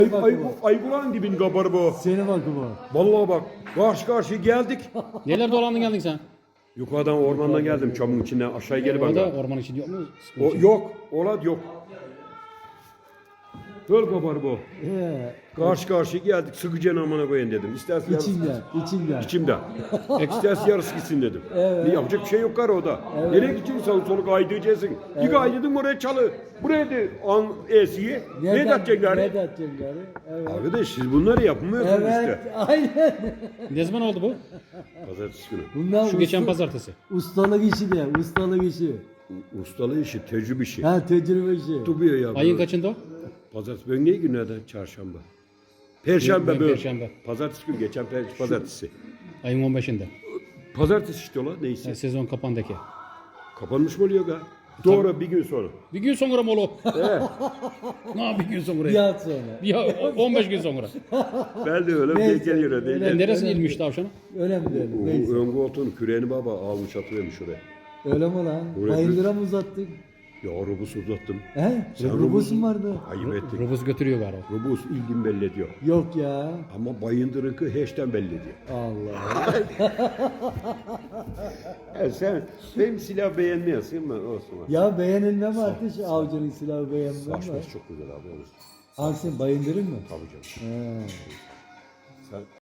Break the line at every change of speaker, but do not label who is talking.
Aygulan dibin kabarı bu.
Seni bak bu.
Vallahi bak karşı karşıya geldik.
Neler dolandın geldin sen?
Yukarıdan ormandan geldim çamın içinden aşağı geri bak.
Orada orman için yok mu?
O yok. Olad yok. Böyle kabarı bu. Karşı karşıya geldik. Sıkıca amına koyun dedim. İstersen yarısı
İçinden.
içimde. İstersen yarısı gitsin dedim. Ne yapacak bir şey yok karı o da. Nereye gideceksin sağ solu kaydıracaksın. Bir kaydırdın oraya çalı. Buraya de an esiye. Ne edeceksin gari?
Ne edeceksin gari? Evet.
Arkadaş siz bunları yapmıyorsunuz
Evet,
işte.
aynen.
Ne zaman oldu bu?
Pazartesi günü.
Bunlar
Şu geçen pazartesi.
ustalık işi de, ustalık işi.
Ustalığı işi, tecrübe işi.
Ha, tecrübe işi.
Tutuyor ya.
Ayın kaçında o?
Pazartesi. Ben ne günlerden? Çarşamba. Perşembe
Ben
böyle.
Perşembe.
Pazartesi günü geçen pazartesi.
Ayın 15'inde.
Pazartesi işte ola neyse.
Yani sezon kapandaki.
Kapanmış mı oluyor ga? Doğru bir gün sonra.
Bir gün sonra mı oğlum? Ne bir gün sonra?
Bir hafta sonra.
Ya 15 gün sonra.
Ben de öyle bir
Neyse,
geliyor
öyle.
değil.
Neresine ilmiş tavşanı?
Önemli değil.
O
Neyse.
ön koltuğunu küreğini baba almış atıvermiş oraya.
Öyle mi lan?
Oraya
Bayındıra mı uzattık?
Ya rubus uzattım.
He?
Sen
Robus'un vardı.
Ayıp ettin.
Robus götürüyor galiba.
Rubus ilgin belli ediyor.
Yok ya.
Ama bayındırınkı heşten belli ediyor.
Allah.
Sen benim silah beğenmiyorsun mu? Olsun.
Ya beğenilmem artık şu avcının silahı beğenmem var.
Saçması çok güzel abi.
Alsın bayındırın mı?
Tabii canım.
He.
Sen